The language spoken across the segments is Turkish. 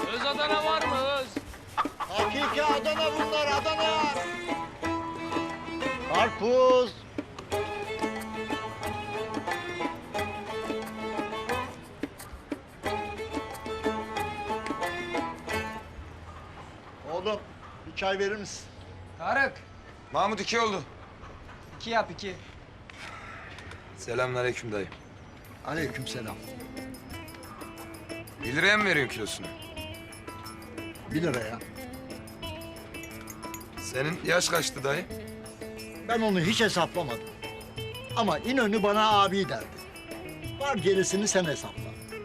Öz Adana var mı öz? Hakiki Adana bunlar, Adana. Karpuz. Oğlum bir çay verir misin? Tarık, Mahmut 2 oldu. 2 yap 2. Selamünaleyküm dayı. Aleykümselam. 1 liraya mı veriyorsun kilosunu? 1 liraya. Senin yaş kaçtı dayı? Ben onu hiç hesaplamadım. Ama İnönü bana abi derdi. Var gerisini sen hesapla.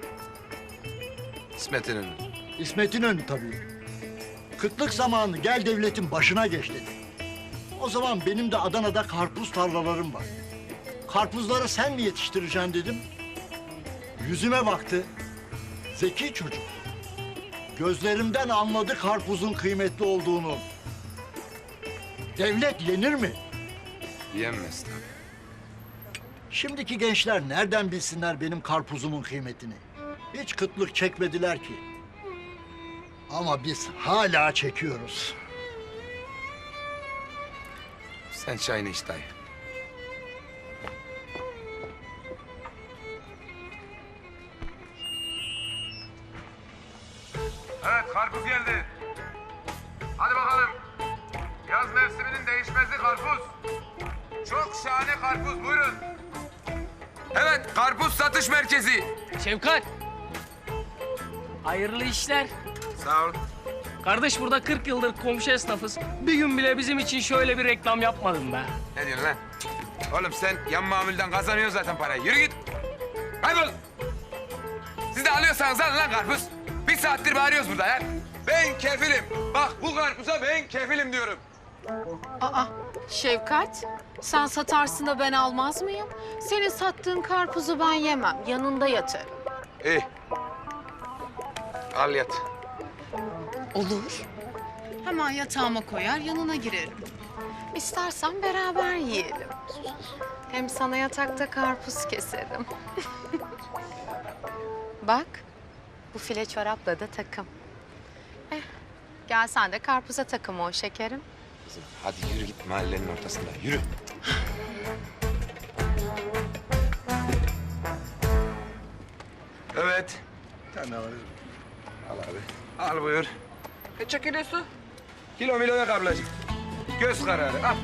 İsmet İnönü. İsmet İnönü tabii. Kıtlık zamanı gel devletin başına geç dedi. O zaman benim de Adana'da karpuz tarlalarım var. Karpuzları sen mi yetiştireceksin dedim. Yüzüme baktı. Zeki çocuk. Gözlerimden anladı karpuzun kıymetli olduğunu. Devlet yenir mi? Yenmez tabii. Şimdiki gençler nereden bilsinler benim karpuzumun kıymetini? Hiç kıtlık çekmediler ki. Ama biz hala çekiyoruz. Sen çayını iç dayı. Evet, karpuz geldi. Hadi bakalım. Yaz mevsiminin değişmezi karpuz. Çok şahane karpuz, buyurun. Evet, karpuz satış merkezi. Şevkat. Hayırlı işler. Sağ ol. Kardeş burada 40 yıldır komşu esnafız. Bir gün bile bizim için şöyle bir reklam yapmadın be. Ne diyorsun lan? Oğlum sen yan mamulden kazanıyorsun zaten parayı. Yürü git. Kaybol. Siz de alıyorsanız alın lan karpuz. 1 saattir bağırıyoruz burada ya. Ben kefilim. Bak bu karpuza ben kefilim diyorum. Aa, Şevkat, sen satarsın da ben almaz mıyım? Senin sattığın karpuzu ben yemem, yanında yatarım. İyi. Al yat. Olur. Hemen yatağıma koyar, yanına girerim. İstersen beraber yiyelim. Hem sana yatakta karpuz keserim. Bak, bu file çorapla da takım. Gel sen de karpuza takım ol şekerim. Kızım hadi yürü git mahallenin ortasında. Yürü. Evet. Bir tane alayım. Al abi. Al buyur. Kaç kilosu? Kilo milo yok ablacığım. Göz kararı. Al.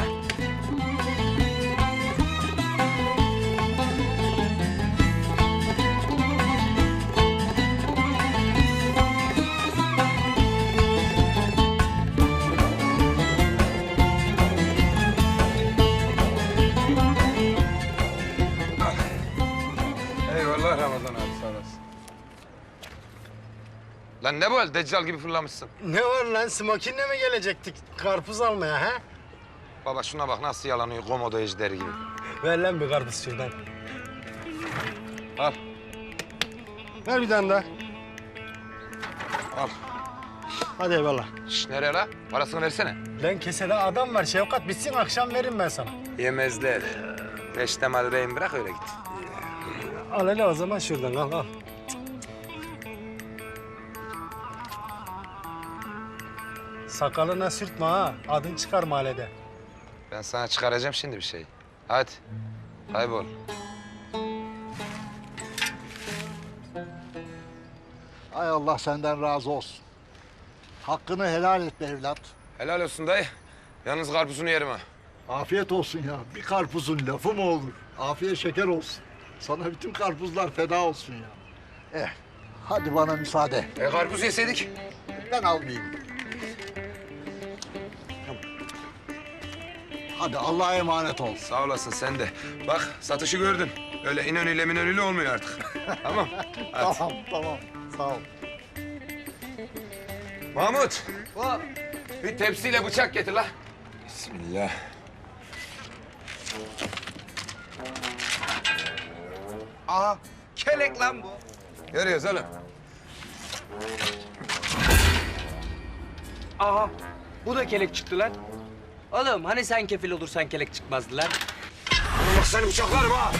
Eyvallah Ramazan abi sağ olasın. Lan ne bu hal? Deccal gibi fırlamışsın. Ne var lan? Smokin'le mi gelecektik karpuz almaya ha? Baba şuna bak nasıl yalanıyor komodo ejderi gibi. Ver lan bir karpuz şuradan. Al. Ver bir tane daha. Al. Hadi eyvallah. Şş, nereye la? Parasını versene. Lan kesede adam var Şevkat. Bitsin akşam veririm ben sana. Yemezler. Peştemal rehin bırak öyle git. Al hele o zaman şuradan al al. Sakalına sürtme ha. Adın çıkar mahallede. Ben sana çıkaracağım şimdi bir şey. Hadi. Kaybol. Ay Allah senden razı olsun. Hakkını helal et be evlat. Helal olsun dayı. Yalnız karpuzunu yerim ha. Afiyet olsun ya. Bir karpuzun lafı mı olur? Afiyet şeker olsun. Sana bütün karpuzlar feda olsun ya. Hadi bana müsaade. Karpuz yeseydik. Ben almayayım. Hadi Allah'a emanet ol. Sağ olasın sen de. Bak satışı gördün. Öyle İnönü'yle minönü'yle olmuyor artık. Tamam. Hadi. Tamam. Sağ ol. Mahmut. Bir tepsiyle bıçak getir la. Bismillah. Aha, kelek lan bu. Görüyoruz oğlum. Aha, bu da kelek çıktı lan. Oğlum hani sen kefil olursan kelek çıkmazdı lan. Bak seni bıçaklarım ha.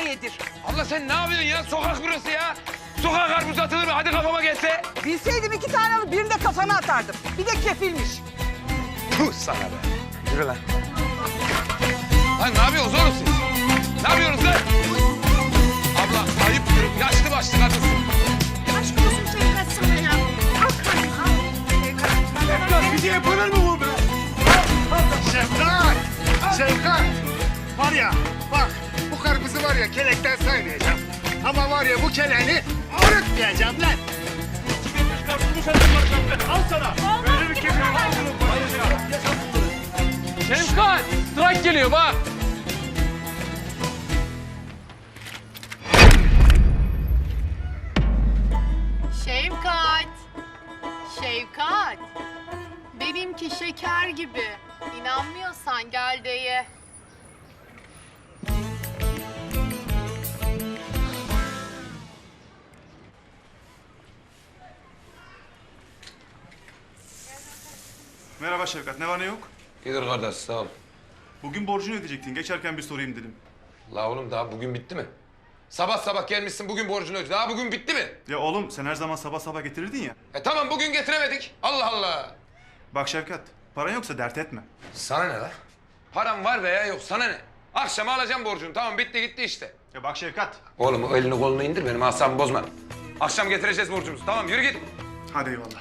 yedir. Allah sen ne yapıyorsun ya? Sokak burası ya. Sokak karpuz atılır mı? Hadi kafama gelse. Bilseydim 2 tane alıp birini de kafana atardım. Bir de kefilmiş. Puh sana be. Yürü lan. Lan ne yapıyorsunuz oğlum siz? Ne yapıyorsunuz lan? Abla ayıptır. Yaşlı başlı kadınsın. Aşk olsun Şevkat sana ya. Şefkat bize yapılır mı bu be? Şefkat! Şefkat! Var ya bak bu karpuzu var ya kelekten saymayacağım. Ama var ya bu keleğini arıtmayacağım lan. Al sana. Böyle bir kefil var. Şefkat, trak geliyor bak. Şevkat. Şevkat. Benimki şeker gibi. İnanmıyorsan gel de ye. Merhaba Şevkat, ne var ne yok? İyidir kardeş sağ ol. Bugün borcunu ödeyecektin, geçerken bir sorayım dedim. La oğlum daha bugün bitti mi? Sabah sabah gelmişsin bugün borcunu öde. Daha bugün bitti mi? Ya oğlum sen her zaman sabah sabah getirirdin ya. Tamam bugün getiremedik. Allah Allah. Bak Şevkat, paran yoksa dert etme. Sana ne la? Param var veya yok sana ne? Akşama alacağım borcunu tamam bitti gitti işte. Ya bak Şevkat. Oğlum o elini kolunu indir benim asabımı bozma. Akşam getireceğiz borcumuzu tamam yürü git. Hadi eyvallah.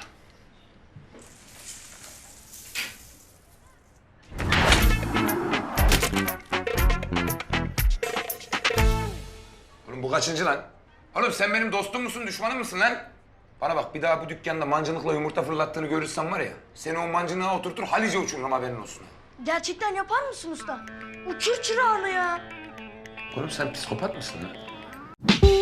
Oğlum bu kaçıncı lan? Oğlum sen benim dostum musun düşmanım mısın lan? Bana bak bir daha bu dükkanda mancınıkla yumurta fırlattığını görürsem var ya... ...seni o mancınığa oturtur Halice uçururum haberin olsun. Gerçekten yapar mısın usta? Uçur çırağını ya. Oğlum sen psikopat mısın lan?